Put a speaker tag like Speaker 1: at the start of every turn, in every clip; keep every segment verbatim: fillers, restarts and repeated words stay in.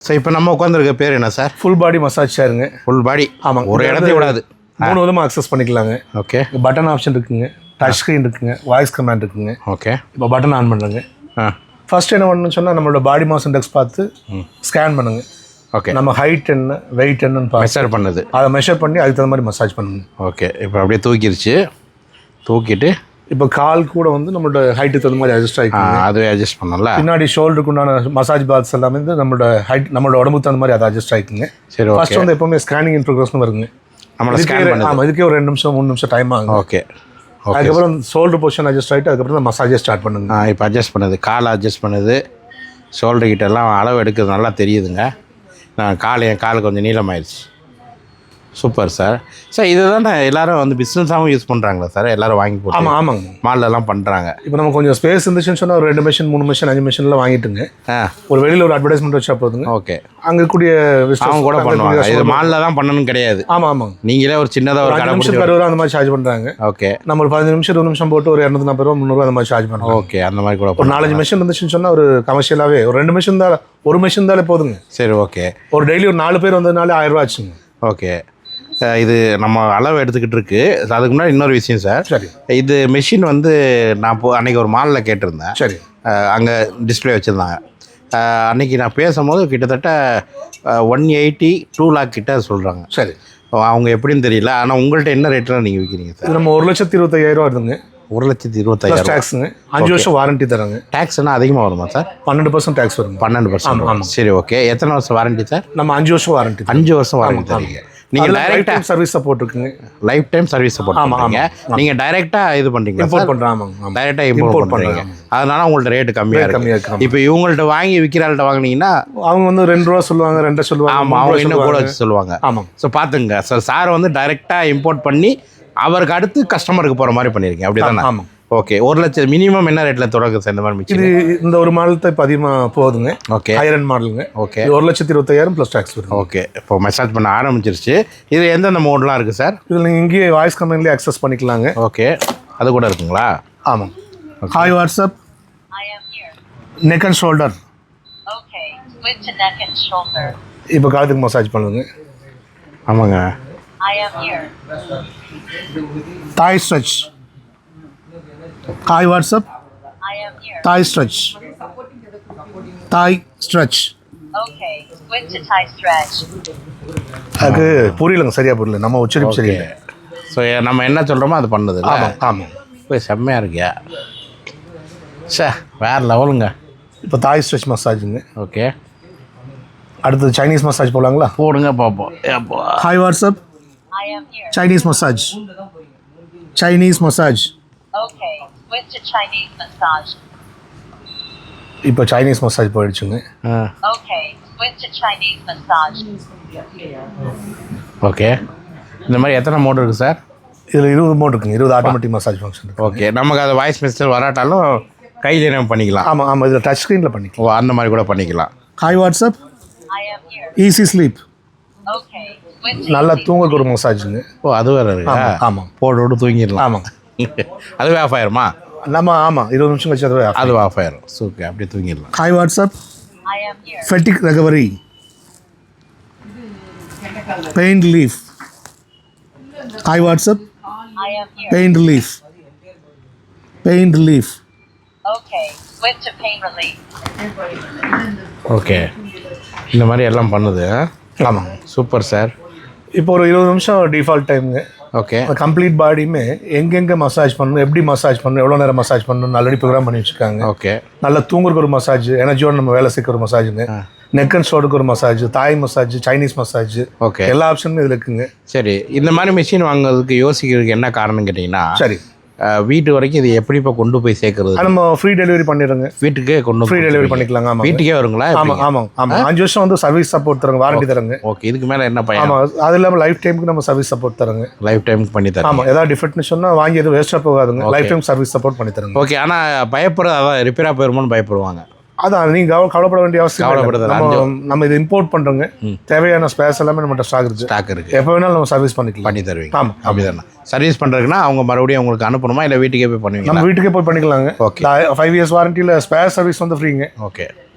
Speaker 1: So இப்போ நம்ம உட்காந்துருக்க பேர் என்ன சார்?
Speaker 2: ஃபுல் பாடி மசாஜ் சேருங்க.
Speaker 1: Full body.
Speaker 2: ஆமாங்க.
Speaker 1: ஒரு இடத்தையும் விடாது.
Speaker 2: மூணு விதமாக அக்சஸ் பண்ணிக்கலாங்க.
Speaker 1: ஓகே.
Speaker 2: பட்டன் ஆப்ஷன் இருக்குங்க, டச் ஸ்க்ரீன் இருக்குங்க, வாய்ஸ் கமாண்ட் இருக்குங்க.
Speaker 1: ஓகே.
Speaker 2: இப்போ பட்டன் ஆன் பண்ணுறேங்க.
Speaker 1: ஆ
Speaker 2: ஃபர்ஸ்ட் என்ன பண்ணணும்னு சொன்னால் நம்மளோட பாடி மாஸ் இண்டெக்ஸ் பார்த்து ஸ்கேன் பண்ணுங்க.
Speaker 1: ஓகே.
Speaker 2: நம்ம ஹைட் என்ன வெயிட் என்னன்னு பார்த்து
Speaker 1: மெஷர் பண்ணுது.
Speaker 2: அதை மெஷர் பண்ணி அதுக்கு தகுந்த மாதிரி மசாஜ் பண்ணுங்க.
Speaker 1: ஓகே. இப்போ அப்படியே தூக்கிடுச்சு. தூக்கிட்டு
Speaker 2: இப்போ கால் கூட வந்து நம்மளோட ஹைட்டுக்கு தகுந்த மாதிரி அட்ஜஸ்ட் ஆகிக்கும்.
Speaker 1: அதுவே அட்ஜஸ்ட் பண்ணல.
Speaker 2: பின்னாடி ஷோல்டருக்கு உண்டான மசாஜ் பாத்ஸ் எல்லாமே வந்து நம்மளோட ஹைட் நம்மளோட உடம்புக்கு தகுந்த மாதிரி அதை அட்ஜஸ்ட் ஆகிக்குங்க.
Speaker 1: சரி.
Speaker 2: ஃபர்ஸ்ட் வந்து எப்பவுமே ஸ்கேனிங் இன் ப்ரோக்ரஸ்னு வருங்க.
Speaker 1: நம்மளை ஸ்கேன் பண்ணுது.
Speaker 2: ஆமாம், இதுக்கே ஒரு ரெண்டு நிமிஷம் மூணு நிமிஷம் டைம் ஆகும்.
Speaker 1: ஓகே.
Speaker 2: அதுக்கப்புறம் ஷோல்டர் பொசிஷன் அட்ஜஸ்ட் ஆகிட்டு அதுக்கப்புறம் தான் மசாஜே ஸ்டார்ட் பண்ணுங்க.
Speaker 1: ஆ இப்போ அட்ஜஸ்ட் பண்ணுது. கால் அட்ஜஸ்ட் பண்ணுது. ஷோல்டர் கிட்ட எல்லாம் அளவு எடுக்கிறது நல்லா தெரியுதுங்க. நான் கால் என் கால் கொஞ்சம் நீளமாயிடுச்சு. Super sir. சார் இது தான் எல்லோரும் வந்து பிஸ்னஸாகவும் யூஸ் பண்ணுறாங்களா சார்? எல்லோரும் வாங்கி போட்டு?
Speaker 2: ஆமாம் ஆமாங்க,
Speaker 1: மால்லலாம் பண்ணுறாங்க.
Speaker 2: இப்போ நம்ம கொஞ்சம் ஸ்பேஸ் இருந்துச்சுன்னு சொன்னால் ஒரு ரெண்டு மிஷின் மூணு மிஷின் அஞ்சு மிஷின்லாம் வாங்கிட்டுங்க.
Speaker 1: ஆ
Speaker 2: ஒரு வெளியில் ஒரு அட்வர்டைஸ்மெண்ட் வச்சா போதுங்க.
Speaker 1: ஓகே.
Speaker 2: அங்கே கூடிய
Speaker 1: அவங்க கூட பண்ணுவாங்க. இது மாலில் தான் பண்ணணும் கிடையாது.
Speaker 2: ஆமாம் ஆமாங்க.
Speaker 1: நீங்களே ஒரு சின்னதாக ஒரு கடை
Speaker 2: நிமிஷம் அறுபது ரூபா அந்த மாதிரி சார்ஜ் பண்ணுறாங்க.
Speaker 1: ஓகே. நம்ம
Speaker 2: ஒரு பதினஞ்சு நிமிஷம் இருபது நிமிஷம் போட்டு ஒரு இரநூத்தி நாற்பது ரூபா முந்நூறுவா அந்த மாதிரி சார்ஜ் பண்ணுறோம்.
Speaker 1: ஓகே. அந்த மாதிரி கூட
Speaker 2: ஒரு நாலஞ்சு மிஷின் இருந்துச்சுன்னு சொன்னால் ஒரு கமர்ஷியலாகவே ஒரு ரெண்டு மிஷின் தான் ஒரு மிஷின் தாலே போதுங்க.
Speaker 1: சரி. ஓகே.
Speaker 2: ஒரு டெய்லி ஒரு நாலு பேர் வந்ததுனாலே ஆயிரம் ரூபா ஆச்சுங்க.
Speaker 1: ஓகே. இது நம்ம அளவு எடுத்துக்கிட்டு இருக்கு. அதுக்கு முன்னாடி இன்னொரு விஷயம் சார்.
Speaker 2: சரி. இது
Speaker 1: மிஷின் வந்து நான் இப்போ அன்றைக்கி ஒரு மாலில் கேட்டிருந்தேன்.
Speaker 2: சரி.
Speaker 1: அங்கே டிஸ்பிளே வச்சுருந்தாங்க. அன்றைக்கி நான் பேசும்போது கிட்டத்தட்ட ஒன் எயிட்டி டூ லேக் கிட்ட சொல்கிறாங்க.
Speaker 2: சரி.
Speaker 1: அவங்க எப்படின்னு தெரியல. ஆனால் உங்கள்கிட்ட என்ன ரேட்டில் நீங்கள் விற்கிறீங்க சார்?
Speaker 2: நம்ம ஒரு லட்சத்தி இருபத்தையாயிரம் வருதுங்க.
Speaker 1: ஒரு லட்சத்தி இருபத்தாயிரம்
Speaker 2: டேக்ஸுங்க. அஞ்சு வருஷம் வாரண்டி தராங்க.
Speaker 1: டேக்ஸ்னா அதிகமாக வருமா சார்?
Speaker 2: பன்னெண்டு பர்சன்ட் டேக்ஸ் வரும்.
Speaker 1: பன்னெண்டு பர்சன்ட். சரி. ஓகே. எத்தனை வருஷம் வாரண்டி சார்?
Speaker 2: நம்ம அஞ்சு வருஷம் வாரண்டி.
Speaker 1: அஞ்சு வருஷம் வாரண்டி தரீங்க. நீங்கள் டைரெக்டாக
Speaker 2: சர்வீஸ் சப்போர்ட் இருக்குங்க.
Speaker 1: லைஃப் டைம் சர்வீஸ் சப்போர்ட் பண்ணுறீங்க. நீங்கள் டைரெக்டாக இது பண்ணுறீங்க,
Speaker 2: இம்போர்ட் பண்ணுறோம். ஆமாங்க,
Speaker 1: டைரெக்டாக இம்போர்ட் பண்ணுறீங்க. அதனால உங்கள்ட்ட ரேட்டு கம்மியாக
Speaker 2: கம்மியாக
Speaker 1: இருக்குது.
Speaker 2: இருக்கு.
Speaker 1: இப்போ இவங்கள்ட்ட வாங்கி விற்கிறாள்கிட்ட வாங்கினீங்கன்னா அவங்க
Speaker 2: வந்து ரெண்டு ரூபா சொல்லுவாங்க, ரெண்டரை சொல்லுவாங்க.
Speaker 1: ஆமாம், அவங்க இன்னும் கூட வச்சு சொல்லுவாங்க.
Speaker 2: ஆமாம்.
Speaker 1: ஸோ பார்த்துங்க சார், சார் வந்து டைரெக்டாக இம்போர்ட் பண்ணி அவருக்கு அடுத்து கஸ்டமருக்கு போகிற மாதிரி பண்ணியிருக்கீங்க. அப்படி தானே?
Speaker 2: ஆமாம்.
Speaker 1: ஓகே. ஒரு லட்சம் மினிமம் என்ன ரேட்டில் தொடங்க சார் இந்த மாதிரி மிக்சி?
Speaker 2: இது இந்த ஒரு மாடல் தான் இப்போ அதிகமாக போகுதுங்க.
Speaker 1: ஓகே.
Speaker 2: ஹையர் எண்ட் மாடலுங்க.
Speaker 1: ஓகே.
Speaker 2: ஒரு லட்சத்தி இருபத்தாயிரம் ப்ளஸ் டேக்ஸ் வரும்.
Speaker 1: ஓகே. இப்போ மசாஜ் பண்ண ஆரம்பிச்சிருச்சு. இது எந்தெந்த மோட்லாம் இருக்குது சார்?
Speaker 2: இதில் நீங்கள் இங்கேயே வாய்ஸ் கமெண்ட்லேயே அக்சஸ் பண்ணிக்கலாங்க.
Speaker 1: ஓகே. அது கூட இருக்குங்களா?
Speaker 2: ஆமாம். Hi WhatsApp, neck and shoulder. இப்போ காலத்துக்கு மசாஜ் பண்ணுங்க.
Speaker 1: ஆமாங்க.
Speaker 2: Thai stretch. Hi WhatsApp, Thai stretch. Thai stretch. அது புரியலங்க, சரியா புரியல. நம்ம உச்சரிப்பு சரியில்லை.
Speaker 1: ஸோ நம்ம என்ன சொல்கிறோமோ அது பண்ணுது.
Speaker 2: ஆமாம் ஆமாம்.
Speaker 1: போய் செம்மையாக இருக்கியா சார், வேறு லெவலுங்க.
Speaker 2: இப்போ தாய் ஸ்ட்ரெச் மசாஜுங்க.
Speaker 1: ஓகே.
Speaker 2: அடுத்தது சைனீஸ் மசாஜ் போகலாங்களா?
Speaker 1: போடுங்க பார்ப்போம்.
Speaker 2: Hi WhatsApp, Chinese massage. Chinese massage. இப்போ சைனீஸ் மசாஜ் போயிடுச்சுங்க.
Speaker 1: ஓகே. இந்த மாதிரி எத்தனை மோட் இருக்குது சார்?
Speaker 2: இதில் இருபது மோட் இருக்குங்க. இருபது ஆட்டோமேட்டிக் மசாஜ் ஃபங்க்ஷன்.
Speaker 1: ஓகே. நமக்கு அது வாய்ஸ் மெசேஜ் வராட்டாலும் கையில் நம்ம பண்ணிக்கலாம்.
Speaker 2: ஆமாம் ஆமாம். இதில் டச் ஸ்க்ரீனில் பண்ணிக்கலாம்.
Speaker 1: ஓ, அந்த மாதிரி கூட பண்ணிக்கலாம்.
Speaker 2: Hi WhatsApp, easy sleep. நல்லா தூங்குறதுக்கு ஒரு மசாஜுங்க.
Speaker 1: ஓ, அது வேறு இருக்கு.
Speaker 2: ஆமாம்.
Speaker 1: போட்டு விட்டு தூங்கிடலாம்.
Speaker 2: ஆமாம்.
Speaker 1: அதுவே ஆஃப் ஆயிருமா?
Speaker 2: நம்ம ஆமாம், இருபது நிமிஷம் கழிச்சு அதுவே
Speaker 1: அது ஆஃப் ஆயிரும். ஓகே, அப்படியே தூங்கிடலாம்.
Speaker 2: Hi WhatsApp, fatigue recovery. Pain relief. Hi WhatsApp, pain relief. Pain relief.
Speaker 1: Okay. இந்த மாதிரி எல்லாம் பண்ணுது.
Speaker 2: ஆமாம்.
Speaker 1: Super sir.
Speaker 2: இப்போ ஒரு இருபது நிமிஷம் டிஃபால்ட் டைமுங்க.
Speaker 1: ஓகே.
Speaker 2: கம்ப்ளீட் பாடியுமே எங்கெங்கே மசாஜ் பண்ணணும், எப்படி மசாஜ் பண்ணணும், எவ்வளோ நேரம் மசாஜ் பண்ணணும் ஆல்ரெடி ப்ரோக்ராம் பண்ணி வச்சுருக்காங்க.
Speaker 1: ஓகே.
Speaker 2: நல்லா தூங்குறதுக்கு ஒரு மசாஜ், எனர்ஜியோட நம்ம வேலை செய்கிற ஒரு மசாஜுங்க. நெக் அண்ட் ஷோல்டருக்கு ஒரு massage, Thai massage, Chinese massage.
Speaker 1: Okay.
Speaker 2: எல்லா ஆப்ஷனும் இதில் இருக்குங்க.
Speaker 1: சரி. இந்த மாதிரி மிஷின் வாங்குறதுக்கு யோசிக்கிறதுக்கு என்ன காரணம் கேட்டிங்கன்னா,
Speaker 2: சரி,
Speaker 1: வீட்டு வரைக்கும் இது எப்படி இப்போ கொண்டு போய் சேர்க்கறது?
Speaker 2: நம்ம ஃப்ரீ டெலிவரி பண்ணிடுறோங்க.
Speaker 1: வீட்டுக்கே கொண்டு
Speaker 2: ஃப்ரீ டெலிவரி பண்ணிக்கலாங்க. ஆமாம்,
Speaker 1: வீட்டுக்கே வருங்களா?
Speaker 2: ஆமாம் ஆமாம் ஆமாம். அஞ்சு வருஷம் வந்து சர்வீஸ் சப்போர்ட் தரங்க, வாரண்டி தரங்க.
Speaker 1: ஓகே. இதுக்கு மேலே என்ன பையன்?
Speaker 2: ஆமாம். அது இல்லாமல் லைஃப் டைமுக்கு நம்ம சர்வீஸ் சப்போர்ட் தரங்க.
Speaker 1: லைஃப் டைமுக்கு பண்ணி தரேன்.
Speaker 2: ஆமாம். ஏதாவது டிஃபெக்ட்னு சொன்னால் வாங்கி எதுவும் வேஸ்ட்டாக போகாதுங்க. லைஃப் டைம் சர்வீஸ் சப்போர்ட் பண்ணி தரங்க.
Speaker 1: ஓகே. ஆனால் பயப்படுறது அதான் ரிப்பேராக போயிருமோன்னு பயப்படுவாங்க.
Speaker 2: அதான் நீங்கள் கவலைப்பட வேண்டிய அவசியம். நம்ம நம்ம இது இம்போர்ட் பண்ணுறோங்க. தேவையான ஸ்பேஸ் எல்லாமே நம்மகிட்ட ஸ்டாக் இருக்குது.
Speaker 1: ஸ்டாக் இருக்குது.
Speaker 2: எப்போ வேணாலும் நம்ம சர்வீஸ் பண்ணிக்கலாம்.
Speaker 1: பண்ணி தருவீங்க.
Speaker 2: ஆமாம்.
Speaker 1: அப்படி தானே? சர்வீஸ் பண்ணுறதுக்குன்னா அவங்க மறுபடியும் உங்களுக்கு அனுப்பணுமா, இல்லை வீட்டுக்கே போய் பண்ணுவீங்க?
Speaker 2: நம்ம வீட்டுக்கே போய் பண்ணிக்கலாங்க. ஓகே. ஃபைவ் இயர்ஸ் வாரண்டியில் ஸ்பேர் சர்வீஸ் வந்து ஃப்ரீங்க.
Speaker 1: ஓகே.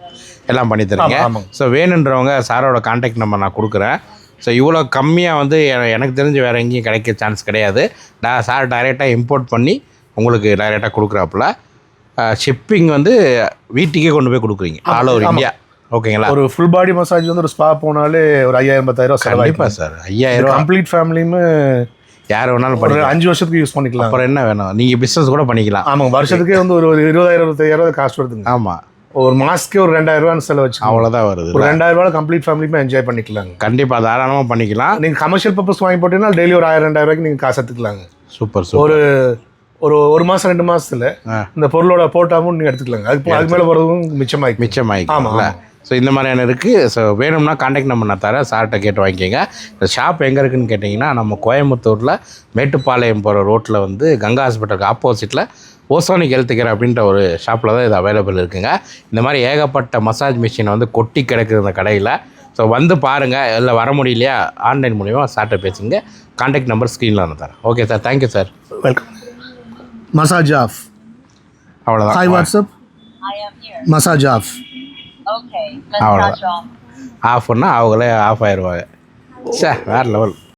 Speaker 1: எல்லாம் பண்ணி தரீங்க.
Speaker 2: ஆமா, ஆமாங்க.
Speaker 1: ஸோ வேணுன்றவங்க சாரோட கான்டாக்ட் நம்பர் நான் கொடுக்குறேன். ஸோ இவ்வளோ கம்மியாக வந்து எ- எனக்கு தெரிஞ்சு வேறு எங்கேயும் கிடைக்க சான்ஸ் கிடையாது. நான் சார் டைரெக்டாக இம்போர்ட் பண்ணி உங்களுக்கு டைரெக்டாக கொடுக்குறாப்புல. ஷிப்பிங் வந்து வீட்டுக்கே கொண்டு போய் கொடுக்குறீங்க ஆல் ஓவர் இந்தியா. ஓகேங்களா?
Speaker 2: ஒரு ஃபுல் பாடி மசாஜ் வந்து ஒரு ஸ்பா போனாலே ஒரு ஐயாயிரம் பத்தாயிரம் ரூபா
Speaker 1: கண்டிப்பாக
Speaker 2: செலவாயிடும்
Speaker 1: சார். ஐயாயிரம் ரூபா
Speaker 2: கம்ப்ளீட் ஃபேமிலியுமே
Speaker 1: யார் வேணாலும்
Speaker 2: ஒரு
Speaker 1: பண்ணிக்கலாம்.
Speaker 2: அஞ்சு வருஷத்துக்கு யூஸ் பண்ணிக்கலாம்.
Speaker 1: அப்புறம் என்ன வேணும்? நீங்கள் பிஸ்னஸ் கூட பண்ணிக்கலாம்.
Speaker 2: ஆமாங்க, வருஷத்துக்கே வந்து ஒரு ஒரு இருபதாயிரம் இருபத்தாயிரம் காஸ்ட் வருதுங்க.
Speaker 1: ஆமாம்,
Speaker 2: ஒரு மாசத்துக்கே ஒரு ரெண்டாயிரம் ரூபான்னு செலவு வச்சு
Speaker 1: அவ்வளோதான் வருது.
Speaker 2: ஒரு ரெண்டாயிரம் ரூபாய் கம்ப்ளீட் ஃபேமிலியுமே என்ஜாய் பண்ணிக்கலாங்க.
Speaker 1: கண்டிப்பாக தாராளமாக பண்ணிக்கலாம்.
Speaker 2: நீங்க கமர்ஷியல் பர்பஸ் வாங்கி போட்டீங்கன்னா டெய்லி ஒரு ஆயிரம் ரெண்டாயிரம் ரூபாய்க்கு நீங்க காசு எடுத்துக்கலாங்க.
Speaker 1: Super super.
Speaker 2: ஒரு ஒரு ஒரு மாசம் ரெண்டு மாசத்துல
Speaker 1: ஆ.
Speaker 2: இந்த பொருளோட போட்டாவும் நீங்க எடுத்துக்கலாங்க. அதுக்கு அதுக்கு மேல போறதும் மிச்சமாயிக்கும்.
Speaker 1: மிச்சமாயிக்கல. ஸோ இந்த மாதிரியான இருக்குது. ஸோ வேணும்னா காண்டாக்ட் நம்பர் நான் தரேன், சார்கிட்ட கேட்டு வாங்கிக்கோங்க. இந்த ஷாப் எங்கே இருக்குதுன்னு கேட்டிங்கன்னா நம்ம கோயம்புத்தூரில் மேட்டுப்பாளையம் போகிற ரோட்டில் வந்து கங்கா ஹாஸ்பிட்டலுக்கு ஆப்போசிட்டில் ஓசோனிக் ஹெல்த் கேர் அப்படின்ற ஒரு ஷாப்பில் தான் இது அவைலபிள் இருக்குங்க. இந்த மாதிரி ஏகப்பட்ட மசாஜ் மிஷின் வந்து கொட்டி கிடக்குது இந்த கடையில். ஸோ வந்து பாருங்கள். இல்லை வர முடியலையா ஆன்லைன் மூலிமா சார்கிட்ட பேசுங்க. காண்டாக்ட் நம்பர் ஸ்க்ரீனில் நான் தரேன். Okay sir, thank you sir.
Speaker 2: Welcome. Massage off.
Speaker 1: அவ்வளோதான்.
Speaker 2: Hi WhatsApp.
Speaker 3: I am here.
Speaker 2: Massage off.
Speaker 3: Okay,
Speaker 1: Ahora.
Speaker 3: massage off.
Speaker 1: ஆஃப்னா அவங்களே ஆஃப் ஆயிடுவாங்க. சார் வேறு லெவல்.